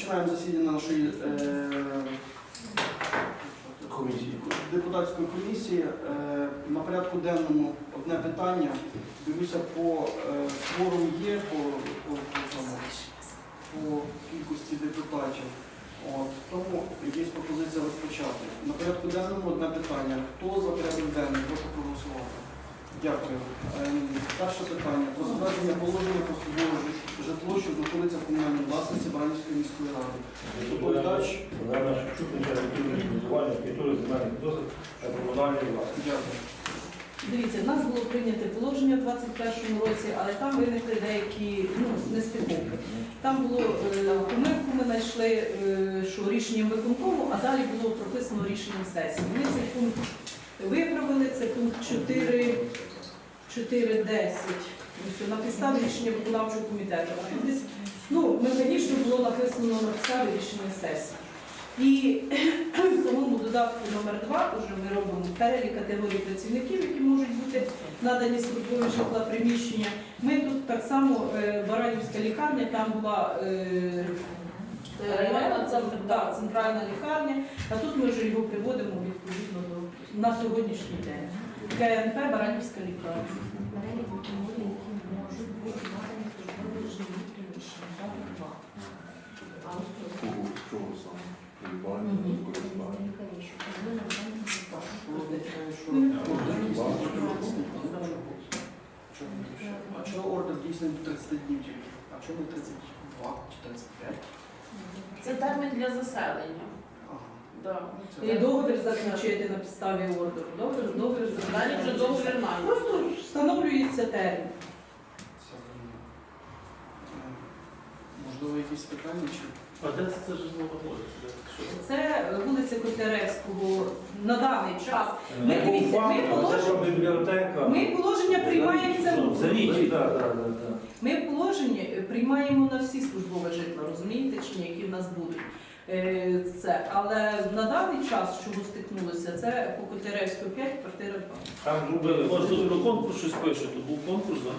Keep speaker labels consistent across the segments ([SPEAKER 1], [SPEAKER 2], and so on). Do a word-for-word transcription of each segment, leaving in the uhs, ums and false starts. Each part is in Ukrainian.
[SPEAKER 1] Розпочинаємо засідання нашої е,
[SPEAKER 2] Комісії.
[SPEAKER 1] депутатської комісії. Е, на порядку денному одне питання. Дивлюся, по е, кворум є, по, по, по, тому, по кількості депутатів. От, тому є пропозиція розпочати. На порядку денному одне питання. Хто за порядок денний? Прошу проголосувати. Дякую. Ем, Перше питання. Про затвердження положення про службове житло, що знаходиться в комунальній власності Баранівської міської ради. Доповідач.
[SPEAKER 2] Програма Шевчук, начальник будівлі, будування, архітектури, земельних досвід та комунальної власності.
[SPEAKER 1] Дякую.
[SPEAKER 3] Дивіться, в нас було прийнято положення в двадцять першому році, але там виникли деякі ну, нестиковки. Там було е, помилку, ми знайшли, е, що рішенням виконкому, а далі було прописано рішенням сесії. Ми цей пункт виправили, це пункт чотири десять. На підставі рішення виконавчого комітету. А тут десь, ну, механічно було написано на підставі рішення сесії. І в самому додатку номер два вже ми робимо перелік категорій працівників, які можуть бути надані службові житла приміщення. Ми тут так само, е, Баранівська лікарня, там була е, районна центр, да, центральна лікарня, а тут ми вже його приводимо відповідно до на сьогоднішній день. КНП Баранівська лікарня.
[SPEAKER 4] Перелік категорій, які можуть бути надані службові жилі приміщення. Так, два. А ось тут.
[SPEAKER 5] Чого саме? Придбання, використання.
[SPEAKER 4] Що повинна бути безплатно.
[SPEAKER 1] А чого ордер дійсно тридцять днів тільки? А чого не тридцять два чи тридцять п'ять?
[SPEAKER 6] Це термін для заселення.
[SPEAKER 1] Ага.
[SPEAKER 6] Да.
[SPEAKER 1] Це
[SPEAKER 3] І договір заключити на підставі ордеру. Договір, договір
[SPEAKER 6] Далі вже договір має.
[SPEAKER 3] Просто встановлюється термін.
[SPEAKER 1] все зрозуміло. Е, Можливо, якісь питання чи?
[SPEAKER 2] А де це, це ж знаходиться?
[SPEAKER 3] Це вулиця Котляревського на даний час. Ми,
[SPEAKER 2] Не
[SPEAKER 3] дивіться, ми,
[SPEAKER 2] це
[SPEAKER 3] положення,
[SPEAKER 2] бібліотека.
[SPEAKER 3] ми положення приймаємо це.
[SPEAKER 2] За річі, так, так, так.
[SPEAKER 3] Ми положення приймаємо на всі службові житла, розумієте, чи ні, які в нас будуть. Е, Це. Але на даний час, що стикнулося, це по Котляревського п'ять, квартира два.
[SPEAKER 2] Там зробили. Може, тут про конкурс щось пише, тут був конкурс, так?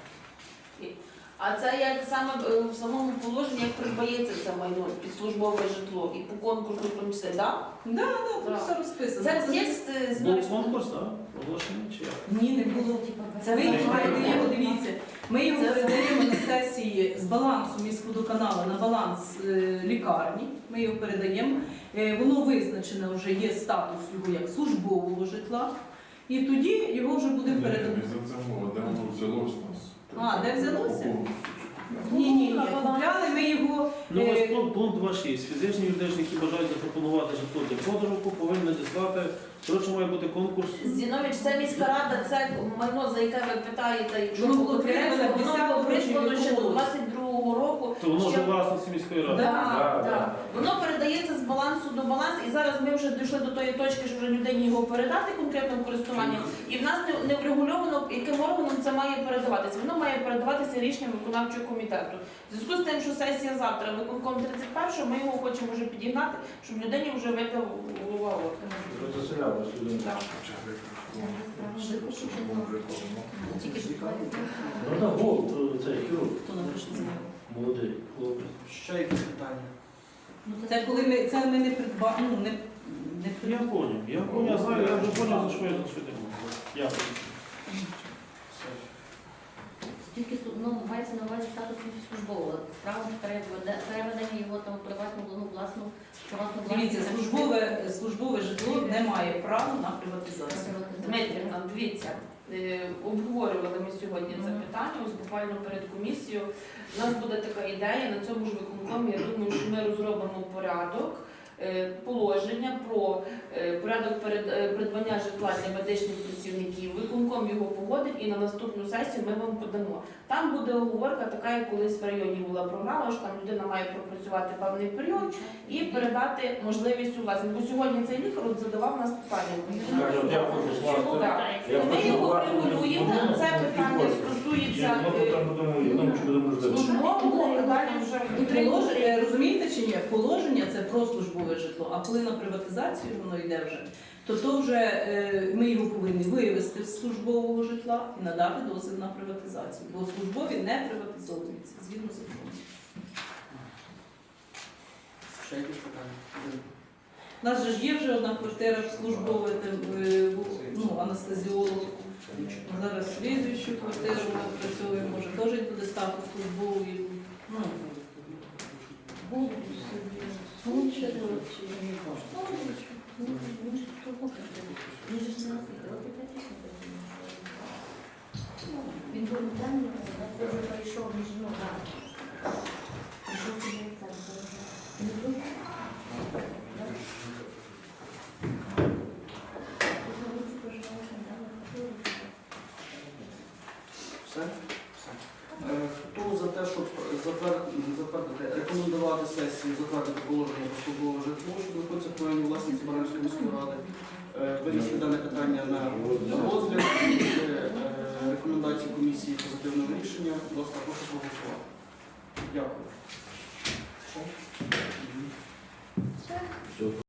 [SPEAKER 6] А це як саме е, в самому положенні, як придбається це майно під службове житло і по конкурсу помісти, так?
[SPEAKER 3] Так, так, тут
[SPEAKER 6] Так.
[SPEAKER 3] все розписано.
[SPEAKER 6] Це текст е,
[SPEAKER 2] Був
[SPEAKER 6] знаєш.
[SPEAKER 2] конкурс, так? Оголошений чи як?
[SPEAKER 3] Ні, не було. Це ми
[SPEAKER 2] Це
[SPEAKER 3] його
[SPEAKER 2] не
[SPEAKER 3] передаємо,
[SPEAKER 2] було.
[SPEAKER 3] дивіться, ми його
[SPEAKER 6] Це-
[SPEAKER 3] передаємо на сесії з балансу міськводоканалу на баланс е, лікарні. Ми його передаємо. Е, воно визначено вже є статус його як службового житла. І тоді його вже буде передано.
[SPEAKER 5] Не за це мова, де воно взялось у нас.
[SPEAKER 3] А, де взялося?
[SPEAKER 5] Купу.
[SPEAKER 3] Ні, ні, ні. Купляли ми його.
[SPEAKER 2] Ну, ось
[SPEAKER 3] е,
[SPEAKER 2] пункт, пункт два шість. Фізичні юридичні, які бажають запропонувати житло для продажу, повинні надіслати. Коротше, має бути конкурс.
[SPEAKER 6] Зінович, це міська рада, це майно, за яке ви питаєте, якщо
[SPEAKER 3] Воно
[SPEAKER 6] було
[SPEAKER 3] було
[SPEAKER 6] придбано,
[SPEAKER 3] придбано
[SPEAKER 6] воно
[SPEAKER 3] десятого
[SPEAKER 6] було придбано ще до
[SPEAKER 3] року.
[SPEAKER 6] двадцять другого року.
[SPEAKER 2] То воно
[SPEAKER 6] Ще-
[SPEAKER 2] вже власності міської ради.
[SPEAKER 3] Да,
[SPEAKER 6] Так,
[SPEAKER 2] да.
[SPEAKER 6] так. Воно передається з балансу до балансу, і зараз ми вже дійшли до тої точки, що вже людині його передати конкретно в користування. І в нас не, не врегульовано, яким органом це має передаватися. Воно має передаватися рішенням виконавчого комітету. В зв'язку з тим, що сесія завтра, виконком тридцять першого, ми його хочемо вже підігнати, щоб людині вже випав голова органу.
[SPEAKER 2] Заселялось людина.
[SPEAKER 6] Так.
[SPEAKER 4] Тільки ж
[SPEAKER 2] Ну так, гол, цей хірург.
[SPEAKER 3] Хто напише заяву?
[SPEAKER 2] Молодий хлопець.
[SPEAKER 1] Ще якісь питання?
[SPEAKER 3] Це коли ми це ми не придбали. Ну, не, не
[SPEAKER 2] Я поняв, я поняв, я знаю, я вже поняв, за що я за що йдемо. Я поняв.
[SPEAKER 1] Все.
[SPEAKER 4] Тільки ну, мається на увазі статус службового. Справа переведе- переведення його там у приватну ну, власну приватну
[SPEAKER 3] Дивіться,
[SPEAKER 4] власність.
[SPEAKER 3] службове, службове житло не має права на приватизацію.
[SPEAKER 6] Дмитрівна, дивіться, е, обговорювали ми сьогодні це
[SPEAKER 4] Мгм.
[SPEAKER 6] питання, ось буквально перед комісією. У нас буде така ідея, на цьому ж виконкомі, я думаю, що ми розробимо порядок, е, положення про е, порядок перед- е, придбання житла для медичних працівників. Виконком його погодить і на наступну сесію ми вам подамо. Там буде оговорка така, як колись в районі була програма, що там людина має пропрацювати певний період і передати можливість у власність. Бо сьогодні цей лікар от задавав нас питання.
[SPEAKER 2] Каже, от я хочу власне.
[SPEAKER 6] Так.
[SPEAKER 2] Я
[SPEAKER 6] Ми
[SPEAKER 2] хочу
[SPEAKER 6] його
[SPEAKER 2] власне
[SPEAKER 6] регулюємо.
[SPEAKER 2] житло.
[SPEAKER 6] Це питання
[SPEAKER 2] Я
[SPEAKER 6] стосується
[SPEAKER 2] ну,
[SPEAKER 6] е,
[SPEAKER 2] там будемо, я думаю, що будемо можливо.
[SPEAKER 6] службового, а далі вже
[SPEAKER 3] І положення, розумієте чи ні? Положення це про службове житло, а коли на приватизацію воно йде вже, то то вже е, ми його повинні вивести з службового житла і надати дозвіл на приватизацію. Бо службові не приватизовуються згідно закону.
[SPEAKER 1] Ще якісь питання?
[SPEAKER 3] У нас же ж є вже одна квартира службова, де е, був, ну, анестезіолог. Зараз слідуючу квартиру ми працюємо, може теж буде статус службовий. Ну,
[SPEAKER 4] Ну, що ти робиш? Ну, він ж того хотів. Він же ж не освітив. От яка пісня працює. Він був там, я вже прийшов, він ж, ну, так. Прийшов собі в центр. Він був.
[SPEAKER 1] Все? Все. Е, Хто за те, щоб затвер- затвердити, рекомендувати сесії, затвердити положення про службове житло, що знаходиться в плані власності Баранської міської ради, е, винести дане питання на розгляд, е, рекомендації комісії позитивного рішення, будь ласка, прошу проголосувати. Дякую.